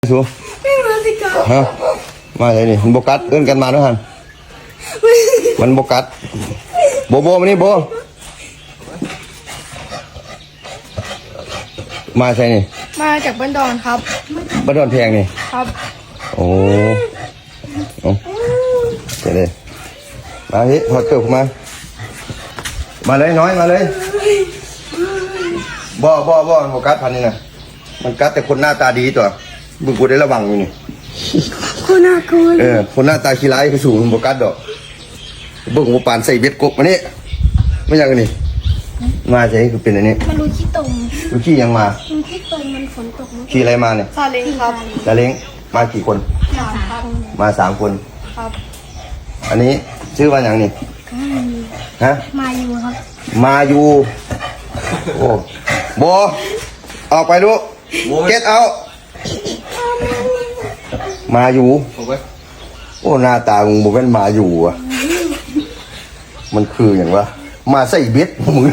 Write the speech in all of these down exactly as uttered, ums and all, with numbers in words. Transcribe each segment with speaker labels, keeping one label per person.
Speaker 1: สูไม่มาสิกาฮะมาเลยนี่มันโบกัสเอื้อนกันมาด้วยฮันมันโบกัสโบโบมานี่โบมาใช่นี่
Speaker 2: มาจากบ้านดอนครับ
Speaker 1: บ้านดอนแพงนี่
Speaker 2: ครับ
Speaker 1: โอ้โอ้เจ๋งเลยมาพี่ถอดเกลือมามาเลยน้อยมาเลยบ่บ่บ่โบกัสพันนี่นะมันกัดแต่คนหน้าตาดีตัวบึงกูได้ระวังอยู่นี่
Speaker 2: คนน่ากลัว
Speaker 1: เออคนหน้าตาขี้ร้ายคือสูงโบกัสดอกบึงกูปานใส่เบ็ดกบมานี่ไม่อยากกันนี่มาใช่คือเป็นอันนี้
Speaker 2: มันรู้ขี้ตม
Speaker 1: รู้ขี้ยังมา
Speaker 2: รู้ขี้ตมมันฝนตก
Speaker 1: ขี้อะไรมาเนี่ย
Speaker 2: ซาเล้งครับ
Speaker 1: ซาเล้งมากี่คน
Speaker 2: สามครับ
Speaker 1: มาสามคน
Speaker 2: ครับ
Speaker 1: อันนี้ชื่อว่าอย่างนี้ฮะ
Speaker 2: มาอยู่ครับ
Speaker 1: มาอยู่โอ้โบออกไปลูกเก็ตเอามาอยู่โอ้หน้าตามึงบอกว่ามาอยู่อ่ะมันคืออย่างวะมาใส่เบ็ดมึง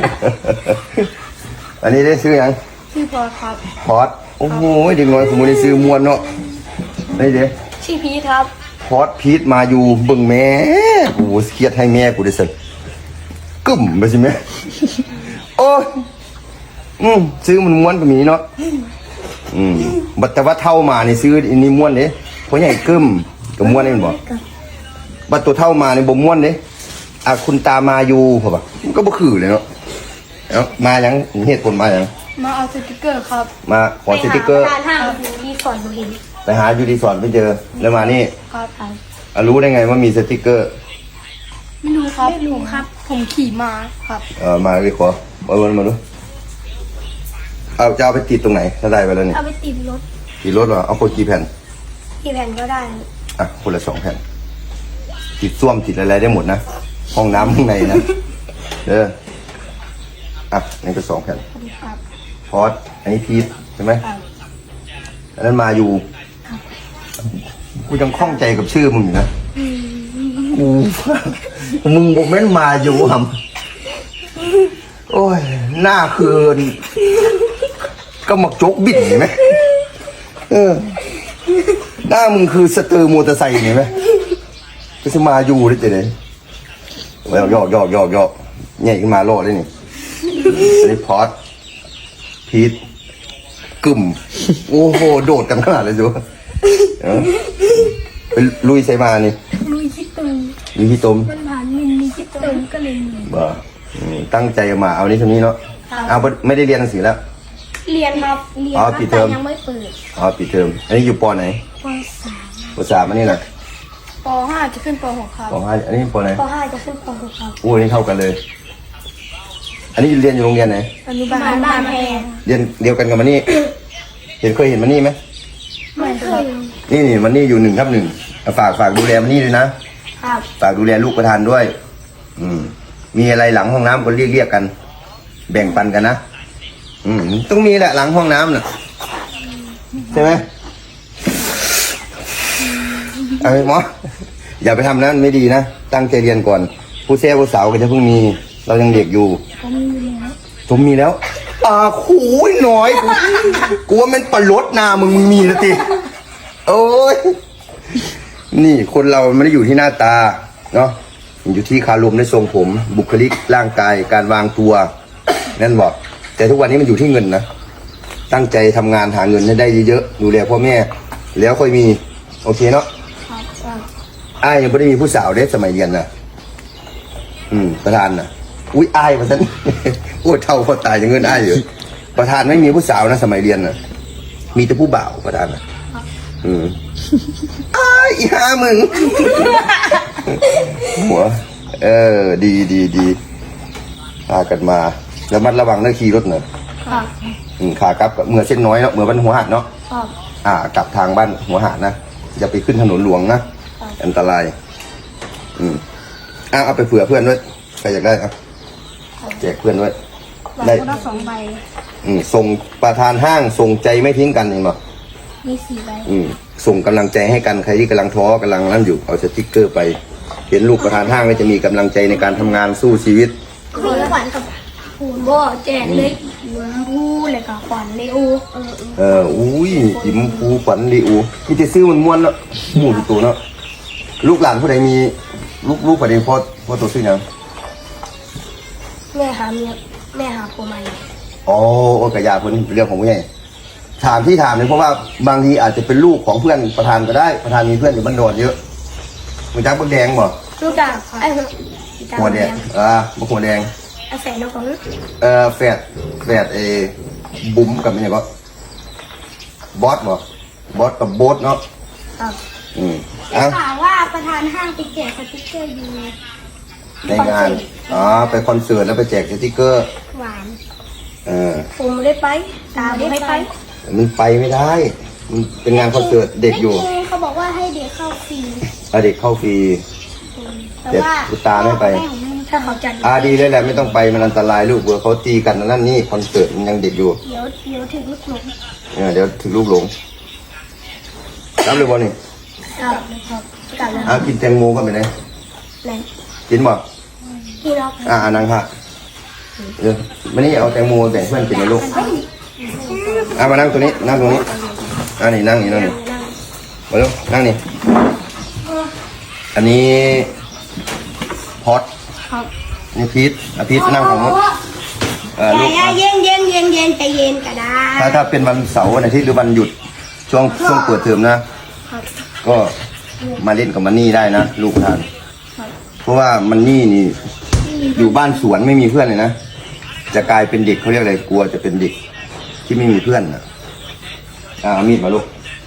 Speaker 1: อันนี้ได้ซื้อยัง
Speaker 2: ชื่อพอครับ
Speaker 1: พอดโอ้โหเด็กน้อยผมไม่ได้ซื้อมวนเนาะนี่เด้
Speaker 2: ชื่อพีทครับ
Speaker 1: พอดพีทมาอยู่บึงแม่กูเครียดให้แม่กูได้สิกึ่มไปสิแม่โอ้อืมซื้อมันม้วนก็มีเนาะอืมบัดแต่ว่าเท่ามานี่ซื้ออันนี้ม้วนเด้เพราะใหญ่กึ่มกับม้วนนี่มันบอกบัดตัวเท่ามานี่บ่ม้วนเด้อ่ะคุณตามาอยู่เหรอปะมันก็บ่คือเลยเนาะเอ้ามายังเหตุผลมายัง
Speaker 2: มาเอาสติกเกอร์ครับ
Speaker 1: มาขอสติกเกอร์
Speaker 2: ไปหาห้างรีสอร์ทเห็น
Speaker 1: ไปหาอยู่รีสอร์ทไม่เจอแล้วมานี่
Speaker 2: ครับ
Speaker 1: อ่ะรู้ได้ไงว่ามีสติกเกอร์
Speaker 2: ไม่รู้ครับไม่รู้ครับผมขี่มาครับ
Speaker 1: เออมาเลยขอมาวนมาดูเอาจะเอาไปติดตรงไหนถ้าได้ไปแล้วเนี่ย
Speaker 2: เอาไปติดรถ
Speaker 1: ติดรถเหรอเอาคนกี่แผ่น
Speaker 2: กี่แผ่นก็ได้
Speaker 1: อ่ะคนละสองแผ่นติดส้วมติดอะไรได้หมดนะห้องน้ำข้างในนะเด้ออ่ะนี่ก็สองแผ่นพอดอันนี้พีทใช่ไหมอันนั้นมาอยู่กูยังคล่องใจกับชื่อมึงอยู่นะกูมึงบอกแม่นมาอยู่หำโอ้ยหน้าคืนก็มักโจกบิดเห็นไหมเออหน้ามึงคือสเตอร์มอเตอร์ไซค์เห็นไหมก็จะมาอยู่ได้เจ๊แล้วยอกยอกยอกยอกใหญ่ขึ้นมาโลดได้นี่อันนี้พอดพีทกึ่มโอ้โหโดดกันขนาดเลยจูไปลุยใส่มานี่
Speaker 2: ลุยขี้ตุ่ม
Speaker 1: ลุยขี้ตุ่ม
Speaker 2: มันผ่านมินมีขี้ตุ่มก็เลย
Speaker 1: บ้าตั้งใจมาเอานี้ทำนี้เนาะเอาไม่ได้เรียนหนังสือแล้ว
Speaker 2: เรียนครับเรียนครับแต่ยังไม่เปิด
Speaker 1: อ๋อปิดเทอมอันนี้อยู่ปไหน
Speaker 2: ปสาม
Speaker 1: ปสามอันนี้นะ
Speaker 2: ปห้าจะขึ้นปหกครับ
Speaker 1: ปห้าอันนี้ปไหน
Speaker 2: ปห้าจะขึ้นปหกครับ
Speaker 1: โอ้นี่เท่ากันเลยอันนี้เรียนอยู่โรงเรียนไหน
Speaker 2: อนุบาลบ้านแพง
Speaker 1: เรียนเดียวกันกับมันนี่เห็นเคยเห็นมันนี่ไหม
Speaker 2: ไม่เคย
Speaker 1: นี่นี่มันนี่อยู่หนึ่งทับหนึ่งฝากฝากดูแลมันนี่ด้วยนะครับฝากดูแลลูกประธานด้วยอืมมีอะไรหลังห้องน้ำก็เรียกเรียกกันแบ่งปันกันนะอืมต้องมีแหละหลังห้องน้ำน่ะใช่ไหมเอาไปหมออย่าไปทำนะไม่ดีนะตั้งใจเรียนก่อนผู้แซ่ผู้สาวก็จะเพิ่งมีเรายังเด็กอยู่
Speaker 2: ผมมีแล้ว
Speaker 1: ผมมีแล้วอ่าหูยน้อยกูว่ามันปลดนามึงมีนะติโอ้ยนี่คนเราไม่ได้อยู่ที่หน้าตาเนาะอยู่ที่คารมในทรงผมบุคลิกร่างกายการวางตัวนั่นบอกแต่ทุกวันนี้มันอยู่ที่เงินนะตั้งใจทำงานหาเงินให้ได้เยอะๆดูแลพ่อแม่แล้วค่อยมีโอเคเนาะอ้ายยังไม่ได้มีผู้สาวเด็กสมัยเรียนนะอืมประธานนะอุ้ยอ้ายประธานโอ้เท่าพอตายยังเงินอ้ายอยู่ประธานไม่มีผู้สาวนะสมัยเรียนนะมีแต่ผู้บ่าวประธานนะอืมอ้ายอีห้ามึงหัวเออดีดีดีพากันมาแล้วมัดระวังเรื่องขี่รถเนอะขากลับเมื่อเส้นน้อยเนาะเมื่อบ้านหัวหาดเนาะอ่ากลับทางบ้านหัวหาดนะอย่าไปขึ้นถนนหลวงนะอันตรายอืมอ้าเอาไปเผื่อเพื่อนด้วยใครอยากได้อ่ะแจกเพื่อนด้วย
Speaker 2: ได้สองใบ
Speaker 1: อืมส่งประธานห้างส่งใจไม่ทิ้งกันเองเนาะ
Speaker 2: มีสี่ใบ
Speaker 1: อืมส่งกำลังใจให้กันใครที่กำลังท้อกำลังนั่นอยู่เอาสติ๊กเกอร์ไปเห็นลูกประธานห้างก็จะมีกำลังใจในการทำงานสู้ชีวิต
Speaker 2: ของขวัญกับปูนบ่แจกเล็กปูนเลยกับขวัญเลโอเออ
Speaker 1: เอออุ้ยจิมฟูขวัญลีอูมีแต่ซื้อมันม้วนเนาะหมู่ตัวเนาะลูกหลานผู้ใดมีลูกลูกประเด็นพ่อพ่อตัวซื้อยัง
Speaker 2: แม่หาเมียแม่หาผัวใหม่
Speaker 1: อ๋อโอ้กระยาคนเรื่องของผู้ใหญ่ถามที่ถามเนี่ยเพราะว่าบางทีอาจจะเป็นลูกของเพื่อนประธานก็ได้ประธานมีเพื่อนอยู่บ้านโดนเยอะมันจักบักแดงบ่
Speaker 2: ลูกจ้าไอ้จ้า
Speaker 1: หัวแดงอ่าบักหัวแดง
Speaker 2: ไอ้แฟนน้องของ
Speaker 1: เอ่อแฝดแฝดเอบุ๋มกับอะไรก็บอสบ่บอสกับโบ๊ทเนาะ
Speaker 2: ครับ
Speaker 1: อืม
Speaker 2: ได้
Speaker 1: อ่ะ
Speaker 2: ข่าวว่าประธานห้างไปแจกสติ๊กเกอร์อยู่
Speaker 1: ในงานอ๋อไปคอนเสิร์ตแล้วไปแจกสติกเกอร์
Speaker 2: หวาน
Speaker 1: เออ
Speaker 2: ผมไม่ได้ไปตาไม่ได้ไป
Speaker 1: มันไปไม่ได้มันเป็นงานคอนเสิร์ตเด็กอยู่
Speaker 2: ไม่จริงเขาบอกว่าให้เด็กเข้าฟรี
Speaker 1: เอาเด็กเข้าฟรี
Speaker 2: แต่ว่า
Speaker 1: คุณตาไม่ไป
Speaker 2: ถ้าเขาจัด
Speaker 1: อ่าดีเลยแหละไม่ต้องไปมันอันตรายลูกเบื่อเขาตีกันนั่นนี่คอนเสิร์ตมันยังเด็กอยู่
Speaker 2: เดี๋ยวเดี๋ยวถึงลูกหลง
Speaker 1: เออเดี๋ยวถึงลูกหลงรับเลยบอลนี่
Speaker 2: ครับครับกลับแล้ว
Speaker 1: อ่ะกินแตงโมก็ไปไหน
Speaker 2: ไหน
Speaker 1: กินบ่
Speaker 2: ที่เรา
Speaker 1: อ่านังค่ะเออมานี่เอาแตงโมแบ่งเพื่อนกินนะลูกอ่ะมานั่งตรงนี้นั่งตรงนี้อ่านี่นั่งนี่นั่งนี่มาลูกนั่งนี่อันนี้พอด
Speaker 2: ครับ
Speaker 1: นี่พีทอ่ะพีทนั่งของมุกเออลูก
Speaker 2: เย็นเย็นเย็นเย็นใจเย็นก็ได้
Speaker 1: ถ้าถ้าเป็นวันเสาร์วันอาทิตย์หรือวันหยุดช่วงช่วงเปิดเทอมนะ
Speaker 2: ครับ
Speaker 1: ก็มาเล่นกับมันนี่ได้นะลูกทาน
Speaker 2: ครับ
Speaker 1: เพราะว่ามันนี่นี่อยู่บ้านสวนไม่มีเพื่อนเลยนะจะกลายเป็นเด็กเขาเรียกอะไรกลัวจะเป็นเด็กที่ไม่มีเพื่อนนะอ่าเอามีดมาลูก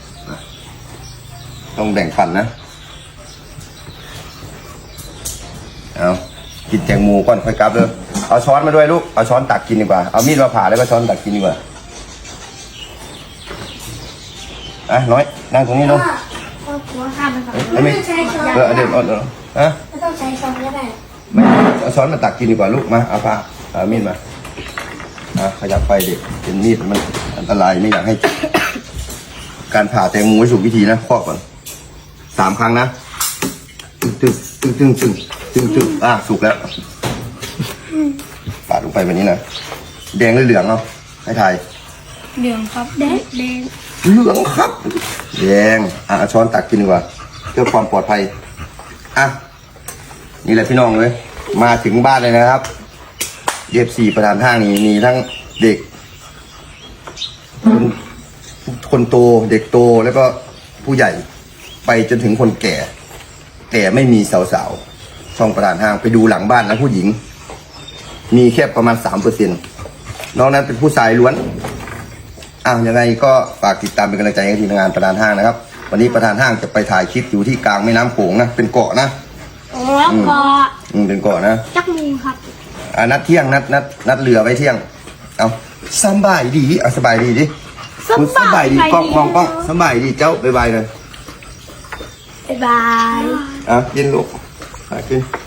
Speaker 1: ต้องแบ่งฝันนะเอากินแตงโมก่อนค่อยกลับเลยเอาช้อนมาด้วยลูกเอาช้อนตักกินดีกว่าเอามีดมาผ่าแล้วก็ช้อนตักกินดีกว่าอ่ะน้อยนั่งตรงนี้ลูก
Speaker 2: ก็กลัวข้ามไปก่อน
Speaker 1: ไม่ไม่เออเดี๋ยวเอาเดี๋ยวฮะ
Speaker 2: ไม่ต้องใช้ช้อนก็ได้
Speaker 1: ไม่เอาช้อนมาตักกินดีกว่าลูกมาเอาผ้าเอามีดมาอ่ะขยับไปเด็กเป็นมีดมันอันตรายไม่อยากให้เจ็บการผ่าแตงโมให้ถูกวิธีนะข้อก่อนสามครั้งนะตึ้งตึ้งตึ้งตึ้งตึ้งตึ้งอ่ะสุกแล้วปาดลงไปแบบนี้นะแดงหรือเหลืองเนาะให้ทาย
Speaker 2: เหลืองครับแดงแดง
Speaker 1: เหลืองครับแดงอ่ะเอาช้อนตักกินดีกว่าเพื่อความปลอดภัยอ่ะนี่แหละพี่น้องเลยมาถึงบ้านเลยนะครับเย็บสี่ประธานห้างนี้มีทั้งเด็กคนคนโตเด็กโตแล้วก็ผู้ใหญ่ไปจนถึงคนแก่ แต่ไม่มีสาวๆช่องประธานห้างไปดูหลังบ้านนะผู้หญิง มีแค่ประมาณสามเปอร์เซ็นต์นอกนั้นเป็นผู้ชายล้วนอ่ะยังไงก็ฝากติดตามเป็นกำลังใจให้ทีมงานประธานห้างนะครับ วันนี้ประธานห้างจะไปถ่ายคลิปอยู่ที่กลางแม่น้ำโขงนะเป็นเกาะนะ
Speaker 2: แล้วก็
Speaker 1: อืมเป็นเกาะนะ
Speaker 2: จักมูครับ
Speaker 1: อ่ะนัดเที่ยงนัดนัดนัดเรือไว้เที่ยงเอาสบายดีเอาสบายดีดิคุณสบายดีกล้องมองกล้องสบายดีเจ้าบ๊ายบายเลย
Speaker 2: บ๊ายบาย
Speaker 1: อ่ะกินลูกอ่ะกิน